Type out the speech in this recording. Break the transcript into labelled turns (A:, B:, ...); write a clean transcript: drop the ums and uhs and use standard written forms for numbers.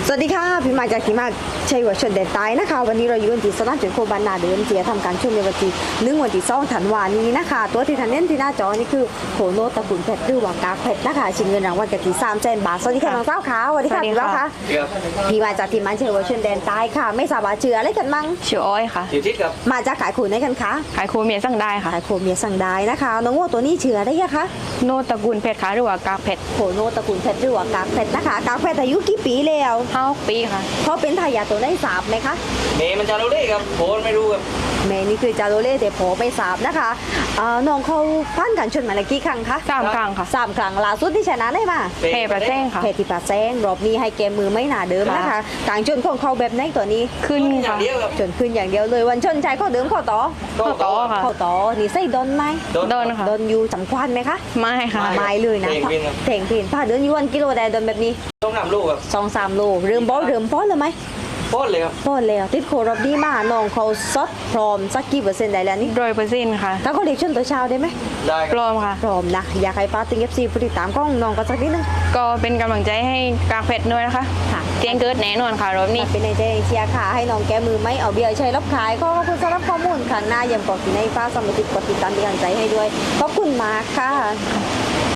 A: สวัสดีค่ะพี่มาจากที่มาชัยวัฒน์ชนแดนใต้นะคะวันนี้เราอยู่ที่สนามจุดโคบันนาเดิมเจียทำการช่วงในวันที่วันที่2 ธันวาคมนี้นะคะตัวที่ทันเน้นที่หน้าจอนี่คือโคโนตะกุนเพชรหรือว่ากากเพชรนะคะชิงเงินรางวัลกันที่300,000 บาทสวัสดีค่ะน้องสาวค่ะสวัสดีค่ะพี่ว่าค่ะพี่มาจากที่มาชัยวัฒน์ชนแดนใต้ค่ะไม่ทราบว่าเชื่ออะไรกันบ้าง
B: ชื่ออ้อยค่ะ
C: อยู่ที่กับ
A: มาจากขายขูนได้กันคะ
B: ขายโคเมียสั่งได้ค่ะ
A: ขายโคเมียสั่งได้นะคะน้องวัวตัวนี้เชื่อได้ยังคะ
B: โนตระกูลเพชรค่ะหรือว่ากากเพชร
A: โคโนตะกุนเพชรหรือว่ากากเพชรนะคะกากเพชรอายุกี่ปีแล้ว
B: 5 ปีค่ะ
A: เขาเป็นทายาทตัวได้ทราบไหมคะ
C: เมย์มันจะรู้ได้ครับโพสไม่รู้ครับ
A: แม่นี่คือจาโรเล่แต่โผไม่ทราบนะคะน้องเขาผ่านการชนมาแล้วกี่ครั้งคะ
B: 3 ครั้งค่ะ
A: 3 ครั้งล่าสุดที่ชนะได้มา
B: เพประแจ้งค่ะ
A: เพที่ปาแซงรอบนี้ให้เกมมือไม่หนาเดิมนะคะ
B: ค่ะ
A: การชนของเขาแบบไหนตัวนี้
B: ขึ้น
C: อย่า
B: ค่ะ
C: งเดียวครับ
A: ชนขึ้นอย่างเดียวเลยวันชนใจเขาเดิมเขาต่อ
B: เข้าต่อค่ะ
A: เขาต่อนี่ใส่ดนไหม
B: โดนค่ะ
A: ดนอยู่สำคัญไหมคะ
B: ไม่ค่ะ
A: ไม่เลยนะ
C: เพ่งเพ่งครับ
A: เพ่งเพ่งผ้าเดินอยู่วันกิโลใดดนแบบนี้
C: ต้องนำลูกครับ
A: 2-3 โลเริ่มบอลเริ่มป้อนเลยไหม
C: โพสเลยครับ
A: ป้อนแล้วติดโครอบนี้มาน้องเขาซดพร้อมสักกี่เปอร์เซ็นต์ได้แล้วนี่
B: 100%ค่ะ
A: ถ้าเขาเด็กชนตัวเช้าได้ไหม
C: ได้ค
B: พ
C: รับ
B: ร้อมค่ะ
A: พร้อมนะอยากให้ป้าติงเอฟซีผู้ติดตามกล้องน้องก็สักนิดนึง
B: ก็เป็นกำลังใจให้กากเพชรด้วยนะคะ
A: ค่ะ
B: เจียงเกิดแน่นอนค่ะรอบนี้
A: เป็นในใจเชียร์ค่ะให้น้องแกมือไม่เอาเบียร์ใช้รับขายก็ขอบคุณสำหรับข้อมูลครั้งหน้ายังบอกที่ในฟ้าสมิติกดติดตามเป็นกำลังใจให้ด้วยขอบคุณมากค่ะ